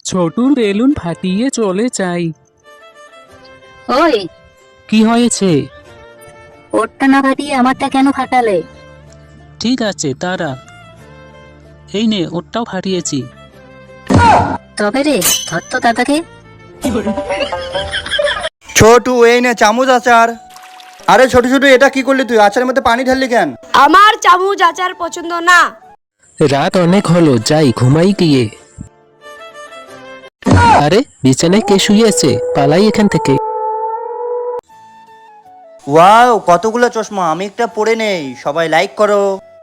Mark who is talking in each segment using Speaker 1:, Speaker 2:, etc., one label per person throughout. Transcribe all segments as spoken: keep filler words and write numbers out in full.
Speaker 1: ছোটুর balloon ফাটিয়ে চলে যাই।
Speaker 2: ওই,
Speaker 1: কি হয়েছে?
Speaker 2: ওরটা না ফাটিয়ে আমারটা কেন ফাটালে?
Speaker 1: ঠিক আছে তারা, এই নে ওরটাও ফাটিয়েছি।
Speaker 2: তবে রে, ধর তো দাদাকে।
Speaker 3: ছোটু এই নে চামচ আচার। আরে ছোট ছোট এটা কি করলি তুই? আচারের মধ্যে পানি ঢাললি কেন?
Speaker 4: আমার চামচ আচার পছন্দ না।
Speaker 1: রাত অনেক হলো, যাই ঘুমাই গিয়ে। আরে বিছানায় কে শুয়েছে? পালাই এখান থেকে।
Speaker 3: ওয়াও, কতগুলো চশমা! আমি একটা পরে নেই, সবাই লাইক করো।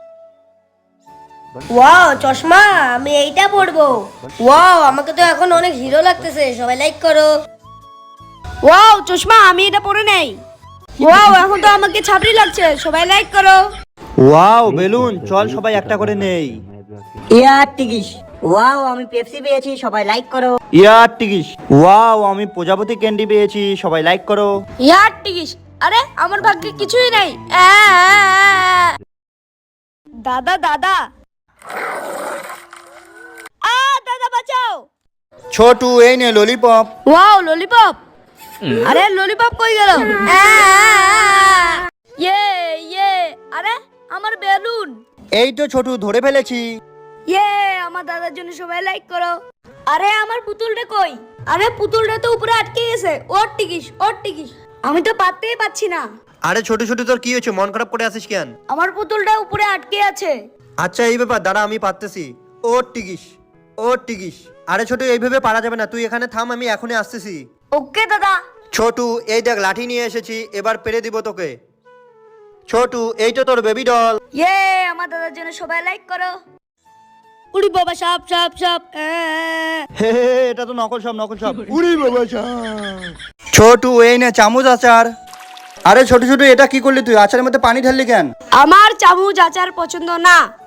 Speaker 4: ওয়াও চশমা, আমি এইটা পরবো। ওয়াও, আমাকে তো এখন অনেক হিরো লাগতেছে, সবাই লাইক করো। ওয়াও চশমা, আমি এটা পরে নেই। ওয়াও, এখন তো আমাকে ছাপড়ি লাগছে, সবাই লাইক করো।
Speaker 3: ওয়াও বেলুন, চল সবাই একটা করে নেই।
Speaker 2: ইয়ার টিকিস। ওয়াও, আমি পেপসি পেয়েছি, সবাই লাইক করো।
Speaker 3: ইয়ার টিকিস। ওয়াও, আমি প্রজাপতি ক্যান্ডি পেয়েছি, সবাই লাইক করো।
Speaker 4: ইয়ার টিকিস। আরে আমার ভাগ্যে কিছুই নাই। আ, আ, আ। দাদা দাদা, আ দাদা বাঁচাও।
Speaker 3: ছোটু এই নে ললিপপ।
Speaker 4: Wow lollipop. আরে ললিপপ কই গেল? ইয়ে ইয়ে, আরে আমার বেলুন।
Speaker 3: এই তো ছোটু, ধরে ফেলেছি।
Speaker 4: ইয়ে, আমার দাদার জন্য সবাই লাইক করো। আরে আমার পুতুলটা কই? আরে পুতুলটা তো উপরে আটকে গেছে। ওর টিকিস, ওর টিকিস। আমি তো পাততেই পাচ্ছি না।
Speaker 3: আরে ছোট ছোট তোর কি হয়েছে? মন খারাপ করে আসিস কেন?
Speaker 4: আমার পুতুলটা উপরে আটকে আছে।
Speaker 3: আচ্ছা এই ব্যাপার, দাঁড়া আমি পারতেছি। ওর টিকিস, ওর টিকিস। আরে ছোটু এইভাবে পারা যাবে না, তুই এখানে থাম, আমি এখনই আসতেছি।
Speaker 4: ওকে দাদা।
Speaker 3: ছোটু এই দেখ লাঠি নিয়ে এসেছি, এবার পেরে দিব তোকে। ছোটু এই তো তোর বেবি ডল।
Speaker 4: ইয়ে, আমার দাদার জন্য সবাই লাইক করো। উড়ি বাবা সাপ সাপ সাপ।
Speaker 3: হে হে, এটা তো নকল সাপ, নকল সাপ। উড়ি বাবা সাপ। ছোটু এই নে চামচ আচার। আরে ছোট ছোট এটা কি করলি তুই? আচারের মধ্যে পানি ঢাললি কেন?
Speaker 4: আমার চামচ আচার পছন্দ না।